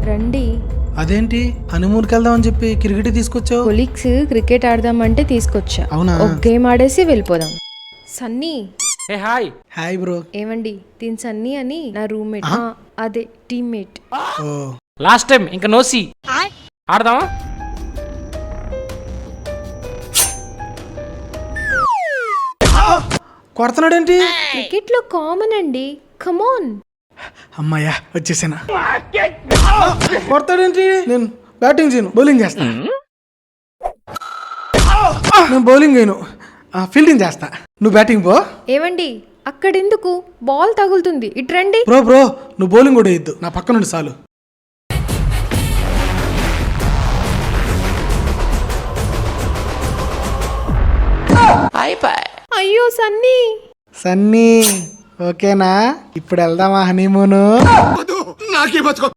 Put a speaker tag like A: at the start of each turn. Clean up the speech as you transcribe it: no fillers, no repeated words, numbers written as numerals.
A: రండి.
B: అదేంటి హనీమూన్కి వెళ్దామని చెప్పి క్రికెట్ తీసుకొచ్చావు?
A: కొలీగ్స్ క్రికెట్ ఆడదామంటే తీసుకొచ్చా.
B: అవునా?
A: ఒక గేమ్ ఆడేసి వెళ్ళిపోదాం. సన్నీ.
C: ఏ హాయ్.
B: Hi bro.
A: ఏమండి దీని సన్నీ అని నా రూమ్మేట్. అదే టీమ్మేట్.
B: ఓ
C: లాస్ట్ టైం ఇంకా నోసి ఆడదామా?
B: కొడుతున్నాడేంటి?
A: క్రికెట్ లో కామన్ అండి. కమాన్.
B: అమ్మాయ్యా వచ్చేసానా. కొడతాడేంటి? నేను బ్యాటింగ్ చేయను, బౌలింగ్ చేస్తా. నేను బౌలింగ్ చేయను, ఫీల్డింగ్ చేస్తా. నువ్వు బ్యాటింగ్ పో.
A: ఏమండి అక్కడెందుకు? బాల్ తగులుతుంది, ఇటు రండి.
B: బ్రో నువ్వు బౌలింగ్ కూడా వేయద్దు, నా పక్క నుండి చాలు.
A: అయ్యో సన్నీ.
B: సన్నీ ఓకేనా? ఇప్పుడు వెళ్దామా హనీమూను?